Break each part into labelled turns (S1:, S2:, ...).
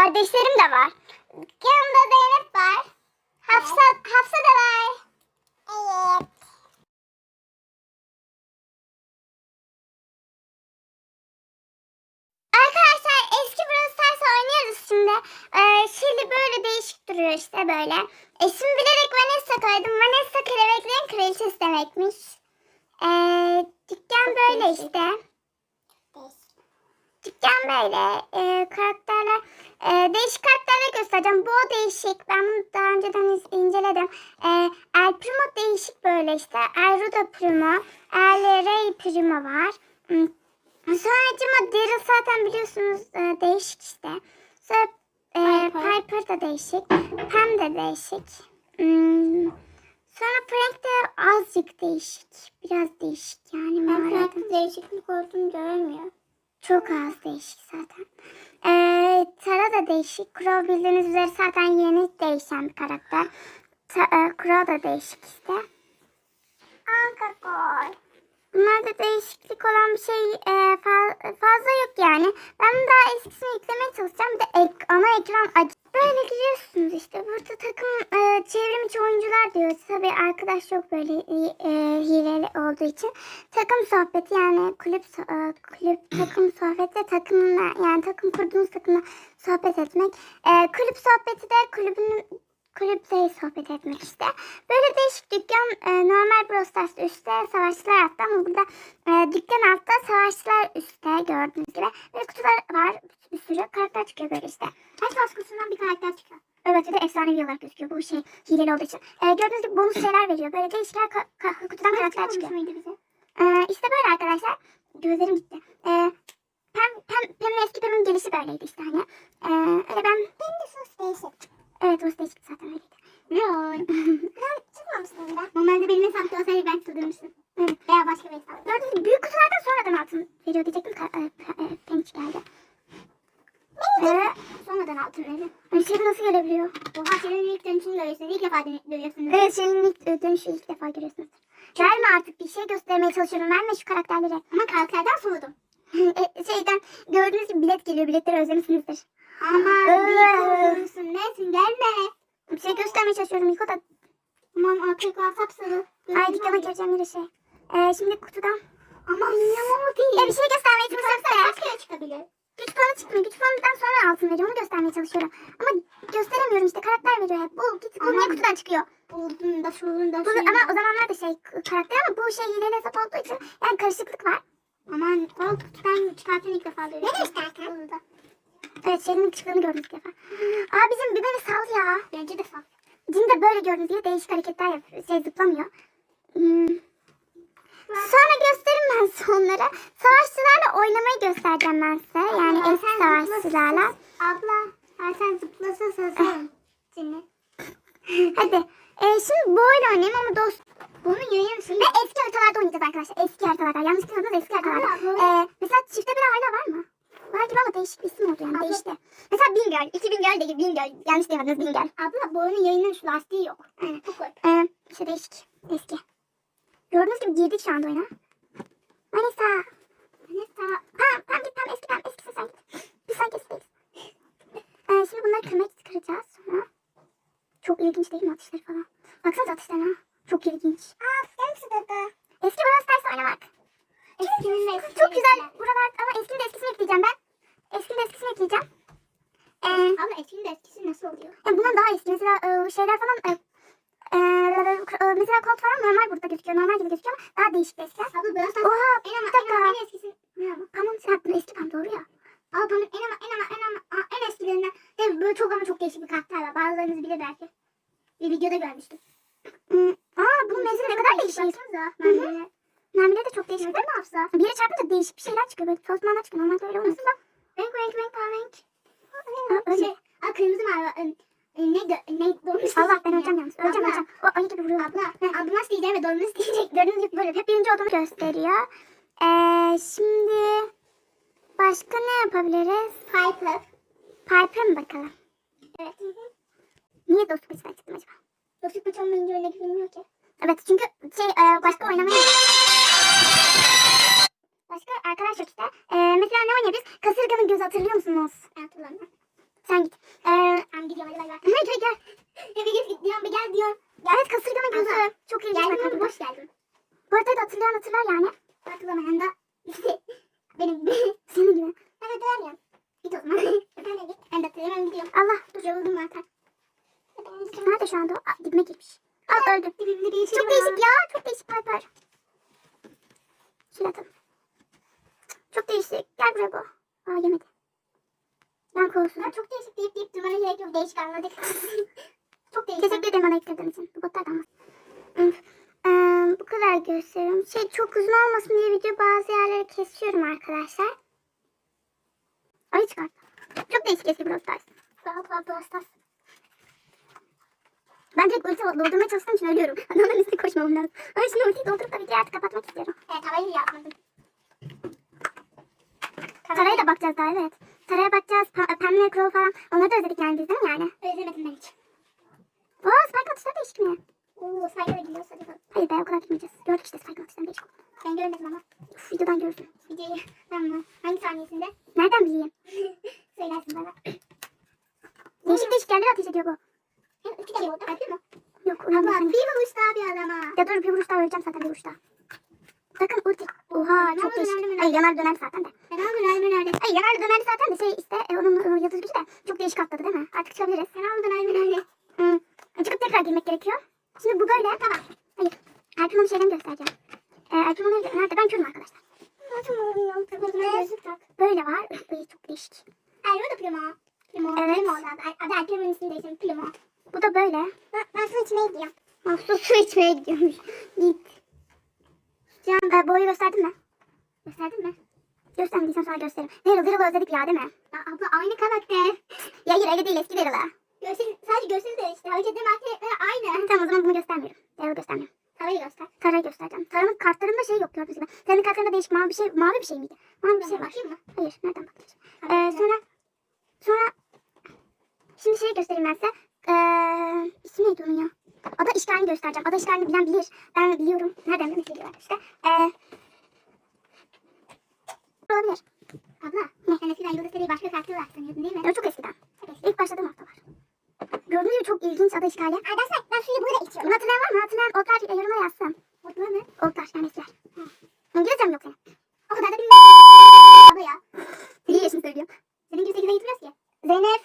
S1: kardeşlerim de var. Yanımda Zeynep var. Hafsa da var. Evet. Arkadaşlar eski Brawl Stars oynuyoruz şimdi. Şimdi böyle değişik duruyor işte böyle. İsmi bilerek Vanessa koydum. Vanessa kelebeklerin kraliçesi demekmiş. Dükkan böyle işte. Dükkan böyle. Karakterler. Değişik karakterler göstereceğim. Bu değişik. Ben bunu daha önceden inceledim. El Primo değişik böyle işte. El Rudo Primo. El Rey Primo var. Sonracıma Daryl zaten biliyorsunuz değişik işte. Sonra Piper da değişik. Pam da değişik. Sonra Frank de azıcık değişik. Biraz değişik yani. Ben Frank'ın değişiklik olduğunu göremiyorum. Çok az değişik zaten. Tara da değişik. Crow bildiğiniz üzere zaten yeni değişen bir karakter. Crow da değişik işte. Ankakor. Bunlarda değişiklik olan bir şey fazla yok yani. Ben daha eskisini yüklemeye çalışacağım. Bir de ana ekran aç. Böyle giriyorsunuz işte. Burada takım çevrim içi oyuncular diyor. Tabii arkadaş yok böyle hileli olduğu için. Takım sohbeti yani kulüp takım sohbeti takımla yani takım kurduğunuz takımla sohbet etmek. Kulüp sohbeti de kulüpte sohbet etmek işte. Böyle değişik dükkan normal Brawl Stars üstte savaşçılar altta ama burada dükkan altta savaşçılar üstte gördüğünüz gibi. Böyle kutular var bir sürü karakter çıkıyor böyle işte. Her savaş kutusundan bir karakter çıkıyor. Evet bir de efsanevi olarak gözüküyor bu şey hileli olduğu için. Gördüğünüz gibi bonus şeyler veriyor. Böyle değişik kutudan karakter çıkıyor. İşte böyle arkadaşlar. Gözlerim gitti. Pem'in eski Pem'in gelişi böyleydi işte hani. Öyle ben... Benim de sos değişik. Evet sos değişik zaten öyleydi. Ne ben çıkmamıştım da. Normalde benim hesapta olsaydı ben çıldırmıştım. Evet. Veya başka bir hesap. Gördüğünüz gibi büyük kutulardan sonradan altın veriyor diyecektim. Penç geldi. Sonradan altın veriyor. Şey nasıl gelebiliyor? Oha Şirin'in ilk dönüşünü görüyorsunuz. İlk defa görüyorsunuz. Evet Şirin'in ilk dönüşü ilk defa görüyorsunuz. Verme artık bir şey göstermeye çalışıyorum. Verme şu karakterleri. Ama karakterden soğudum. Şeyden gördüğünüz gibi bilet geliyor. Biletleri özlemişsinizdir. Aman bir nesin gelme. Bir şey göstermeye çalışıyorum. Yıko da. Aman arkaya sapsarı. Ay dükkana gireceğim yine şey. Şimdi kutudan. Aman inanamam değil. Bir şey göstermeye çalışıyorum. Kaç kere çıkabilir? Güç puanı çıkmıyor. Güç puanından sonra altın veriyor. Onu göstermeye çalışıyorum. Ama gösteremiyorum işte. Karakter veriyor hep. Bu niye kutudan çıkıyor? Buldum da şunun da ama o zamanlar da şey karakter ama bu şey hileli hesap olduğu için yani karışıklık var. Aman kutudan çıkarken ilk defa görüyorum. Ne çıkarken? Evet Şirin'in çıktığını gördüm ilk defa. Bizim bir beni sal ya. Bence de sal. Cin de böyle gördüğünüz gibi değişik hareketler yapıyor. Zıplamıyor. Sonra gösteririm ben size onları. Savaşçılarla oynamayı göstereceğim ben size. Yani eski savaşçılarla. Abla sen zıplasın sasın. Hadi. Şimdi bu oyunu oynayayım ama dost. Bunun yayın şimdi. Ve eski haritalarda oynayacağız arkadaşlar. Eski haritalarda. Yanlış bilmiyorsanız eski haritalarda. Mesela çifte bir hala var mı? Var gibi ama değişik bir isim oldu yani. Değişti. Mesela Bingöl. 2000 göl değil. Bingöl. Yanlış diyemediniz Bingöl. Abla bu oyunun yayının şu lastiği yok. Aynen. Çok garip. İşte değişik. Eski. Gördüğünüz gibi girdik şu anda oyuna. Vanessa. Pam git Pam eski Pam. Eskisin sen git. Biz sanki eskiyiz. Şimdi bunları kıracağız sonra. Çok ilginç değil mi atışları falan? Baksanıza atışlarına. Çok ilginç. Eski Brawl Stars oynamak. Çok güzel buralar ama eskinin de eskisini ekleyeceğim ben. Eskinin de eskisini ekleyeceğim. Ama eskinin de eskisi nasıl oluyor? Bundan daha eski. Mesela şeyler falan mesela kod falan normal burada gözüküyor. Normal gibi gözüküyor ama daha değişik eskiler. Abla Brawl Stars. Oha bir dakika. En eskisi. Pam'ın sen eski Pam doğru ya. Pam'ın en eskilerinden. Böyle çok ama çok değişik bir karakter var. Bazılarınız bilir belki. Bir videoda görmüştüm. Bunun menzili ne kadar değişik. Mermileri de çok değişik değil mi Hafsa? Bir yere çarpınca değişik bir şeyler çıkıyor. Böyle tosmanlar çıkıyor. Normalde öyle olmaz. Renk. Öyle. Kırmızı mavi. Ne dolmuş. Allah ben öleceğim yalnız. Öleceğim. O ayı gibi vuruyor. Abla nasıl diyeceğim ve dolmuş diyecek. Gördüğünüz gibi böyle hep birinci olduğunu gösteriyor. Şimdi başka ne yapabiliriz? Piper mı bakalım? Evet. Niye dostluk maçından çıktım acaba? Dostluk maçı olmayınca öyle bilmiyor ki. Evet çünkü başka oynamaya... Başka arkadaş yok işte. Mesela ne oynayabiliriz? Kasırganın gözü hatırlıyor musunuz? Hatırlamıyorum. Sen git. Ben gidiyorum hadi bay bay. Gel gel. Bir diyorum bir gel diyor. Evet kasırganın gözü. Çok ilginç. Geldim boş geldim. Bu arada da hatırlar yani. Hatırlamayan da benim senin gibi. Ben hatırlamıyorum. Git o zaman. Ben de git. Ben de hatırlamıyorum gidiyorum. Allah dur yoruldum zaten. Nerede şu anda o? Dibime girmiş. Al öldü. Dibimde bir şey çok değişik ya. Çok değişik Piper. Şöyle atalım. Çok değişik. Gel buraya bu. Aa yemedi. Ben kovulsun. Çok değişik deyip durmana gerek yok. Değişik anladık. Çok değişik. Teşekkür ederim bana ektirdiğin için. Bu botlardan bu kadar gösteriyorum. Çok uzun olmasın diye video bazı yerleri kesiyorum arkadaşlar. Ay çıkart. Çok değişik eski Brawl Stars. Brawl Stars. Ben direkt ulti doldurmaya çalıştığım için ölüyorum. Adamların üstüne koşmamam lazım. Ama şimdi ultiyi doldurup da videoyu artık kapatmak istiyorum. Evet havayı yapmadım. Tara'ya da bakacağız daha evet. Tara'ya bakacağız. Pamela Crow falan. Onları da özledik yani biz değil mi yani? Özlemedim ben hiç. Ooo Spike atışları değişik mi? Ooo Spike'a da gidiyoruz hadi bakalım. Hayır be o kadar gitmeyeceğiz. Gördük işte Spike'ın atışlarını değişik. Ben görmedim ama. Uf videodan görürsün. Videoyu tamam. Hangi saniyesinde? Nereden bileyim? Söylersin bana. Değişik yerlere ateş ediyor bu. Hem iki kere vurdu. Öldü mü? Yok uyumadım. Abla bir vuruş daha bir adama. Ya dur bir vuruş daha öleceğim zaten bir vuruş daha. Bakın ulti. Oha çok değişik. Ay yanar döner zaten de. Yanar döner. Ay yanar döner zaten de işte onun yıldız gücü de çok değişik atladı değil mi? Artık çıkabiliriz. Yanar döner. Çıkıp tekrar girmek gerekiyor. Şimdi bu böyle. Tamam. Hayır. Erpin onu şeyden göstereceğim. Erpin onu nerede? Ben körüm arkadaşlar. Böyle var. Ay çok değişik. Erpin da Primo. Evet. Primo adı Erpin'in ismini değiştirdim. Primo. Bu da böyle. Ben su içmeye gidiyorum. Su içmeye gidiyormuş. Git. Can boyu gösterdin mi? Gösterdin mi? Göstermediysen sonra gösteririm. Daryl'ı özledik ya değil mi? Ya abla aynı karakter. Ya hayır öyle değil eski Daryl'ı. Sadece görseli de işte. Önceden karakterler aynı. Tamam o zaman bunu göstermiyorum. Daryl'ı göstermiyorum. Tara'yı göster. Tara'yı göstereceğim. Tara'nın kartlarında şey yok gördüğünüz gibi. Tara'nın kartlarında değişik mavi bir şey miydi? Mavi bir şey var. Hayır nereden bakacağız? Sonra şimdi şey göstereyim ben size. İsmi neydi onun ya? Ada işgalini göstereceğim. Ada işgalini bilen bilir. Ben biliyorum. Nereden biliyorlar işte. Olabilir. Abla. Ne? Sen eskiden Yıldız Seri'yi başka farklı olarak sanıyordun değil mi? Evet çok eskiden. İlk başladığım haftalar. Gördüğünüz gibi çok ilginç ada işgali. Arkadaşlar ben suyu burada içiyorum. Bunu hatırlayan var mı? Hatırlayan Olkar yoruma yazsın. Olkar mı? Olkar yani eskiler. İngilizcem yok senin. O kadar da bilmiyorum. Abla ya. İyi yaşını söylüyorum. Senin gibi 8'e gitmiyoruz ki. Zeynep.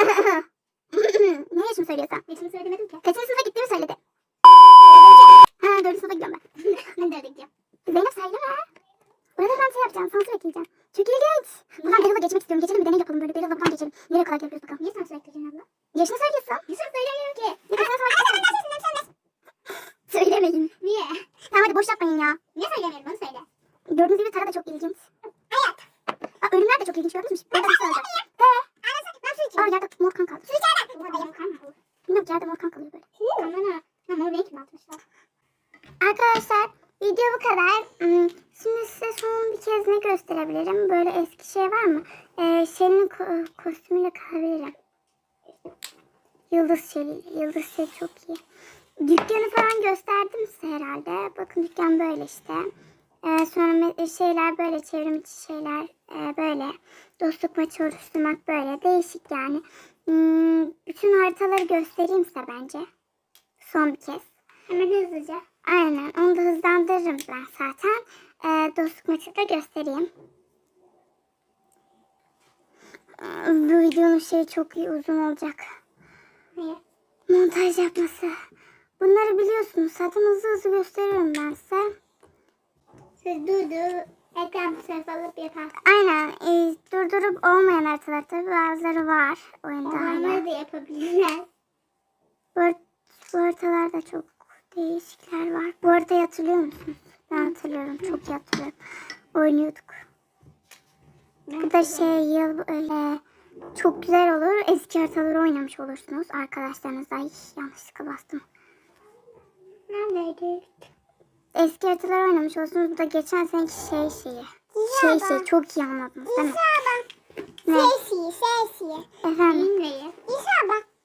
S1: Ne yaşını söylüyorsan? Yaşını söylemedim ki. Kaçıncı sınıfa gittiğimi söyledi. 4. sınıfa gidiyorum ben. Ben de öyle gidiyorum. Zeynep söyleme. Burada ben şey yapacağım. Sansür ekleyeceğim. Çok ilginç. Buradan Daryl'a geçmek istiyorum. Geçelim bir deney yapalım böyle. Daryl'la buradan geçelim. Nereye kadar yapıyoruz bakalım. Niye sansür ekleyeceksin abla? Yaşını söylüyorsun. Yaşını söylemiyorum ki. Ya da sen sonra söylemeyin. Niye? Tamam hadi boş yapmayın ya. Niye söylemiyorum onu söyle. Gördüğünüz gibi Tara da çok ilginç. Hayat. Ölümler de çok ilginç gördünüz mü? Burada bir şey olacak. Ben su içiyorum. Yerde mor kan kaldı. Su içeriden. Burada mor kan mı olur? Bilmiyorum yerde mor kan kalıyor böyle. Mor renk mi atmışlar? Arkadaşlar video bu kadar. Şimdi size son bir kez ne gösterebilirim? Böyle eski şey var mı? Şeli'nin kostümüyle kalabilirim. Yıldız Şeli çok iyi. Dükkanı falan gösterdim size herhalde. Bakın dükkan böyle işte. Sonra şeyler böyle çevrim içi şeyler böyle. Dostluk maçı oluşturmak böyle. Değişik yani. Bütün haritaları göstereyim size bence. Son bir kez. Hemen hızlıca. Aynen onu da hızlandırırım ben zaten. Dostluk maçı da göstereyim. Bu videonun şeyi çok iyi uzun olacak. Niye? Montaj yapması. Bunları biliyorsunuz. Zaten hızlı gösteriyorum ben size. Siz ekran sınıf alıp yaparsınız. Aynen. Durdurup olmayan haritalar tabii bazıları var oyunda. Onları da yapabilirler. Bu haritalarda çok değişikler var. Bu haritayı hatırlıyor musunuz? Ben hatırlıyorum. Çok iyi hatırlıyorum. Oynuyorduk. Bu da öyle çok güzel olur. Eski haritaları oynamış olursunuz. Arkadaşlarınızla yanlışlıkla bastım. Neredeydik? Eski haritaları oynamış olursunuz. Bu da geçen seneki şeyi. Çok iyi anladınız değil mi? Ne? Efendim? İnşallah.